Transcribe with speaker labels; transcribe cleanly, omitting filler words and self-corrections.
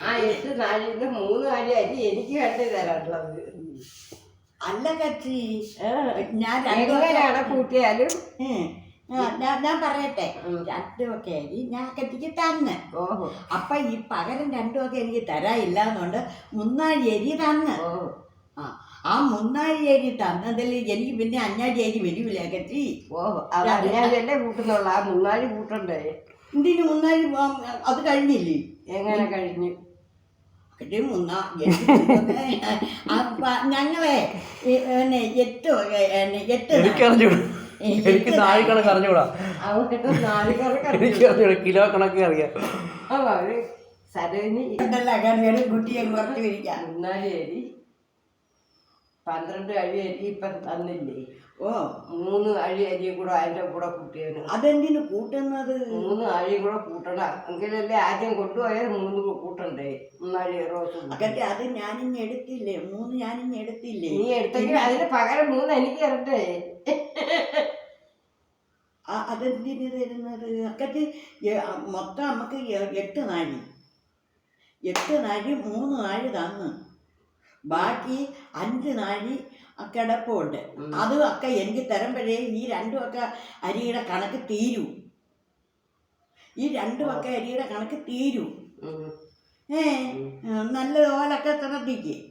Speaker 1: ആ 8 നാഴിന്ന് 3 നാഴി അരി എനിക്ക് കണ്ടു തരാനുള്ളത്.
Speaker 2: അല്ല കച്ചി, ഞാൻ
Speaker 1: എങ്ങനെയാണ് കൂട്ടിയാലും
Speaker 2: ഞാൻ പറയട്ടെ, 2 ഒക്കെ അരി ഞാൻ കത്തിക്ക് തന്ന്. അപ്പൊ ഈ പകരം 2 ഒക്കെ എനിക്ക് തരാനില്ല എന്നുകൊണ്ട് 3 നാഴി അരി തന്ന്. ആ 3 നാഴി അരി തന്നതിൽ എനിക്ക് പിന്നെ 5 നാഴി അരി വരില്ല കച്ചി.
Speaker 1: അല്ലേ കൂട്ടുന്നുള്ള ആ 3 നാഴി കൂട്ടണ്ടേ?
Speaker 2: എന്തിനു 3 നാഴി? അത് കഴിഞ്ഞില്ലേ?
Speaker 1: എങ്ങനെ കഴിഞ്ഞു?
Speaker 2: ഞങ്ങളെ 8
Speaker 3: എനിക്ക് നാഴി കണക്ക് അറിഞ്ഞൂടാ, കിലോ കണക്ക് അറിയാം.
Speaker 1: സരോജിനി
Speaker 2: കുട്ടിയെ കുറച്ച് വിരിക്കാം.
Speaker 1: 3 നാഴി അരി 12 അഴി അരി ഇപ്പം തന്നില്ലേ? 3 അഴി അരിയും കൂടെ അതിൻ്റെ കൂടെ കൂട്ടിയത്.
Speaker 2: അതെന്തിനു കൂട്ടുന്നത്?
Speaker 1: 3 അഴി കൂടെ കൂട്ടണം, എങ്കിലല്ലേ ആദ്യം കൊണ്ടുപോയാൽ 3 കൂട്ടണ്ടേ? 3 അഴി റോസ്.
Speaker 2: അത് ഞാനിഞ്ഞ് എടുത്തില്ലേ, 3 ഞാനിഞ്ഞ് എടുത്തില്ലേ?
Speaker 1: നീ എടുത്തെങ്കിൽ അതിന് പകരം 3 എനിക്ക് തരണ്ടേ?
Speaker 2: അതെന്തിനു തരുന്നത്? അക്കറ്റ് മൊത്തം നമുക്ക് 8 നാഴി 3 നാഴി തന്ന്, ബാക്കി 5 നാഴി കിടപ്പുണ്ട്. അതും ഒക്കെ എനിക്ക് തരുമ്പോഴേ ഈ 2 ഒക്കെ അരിയുടെ കണക്ക് തീരൂ. ഈ 2 ഒക്കെ അരിയുടെ കണക്ക് തീരൂ. നല്ലതുപോലൊക്കെ ശ്രദ്ധിക്ക്.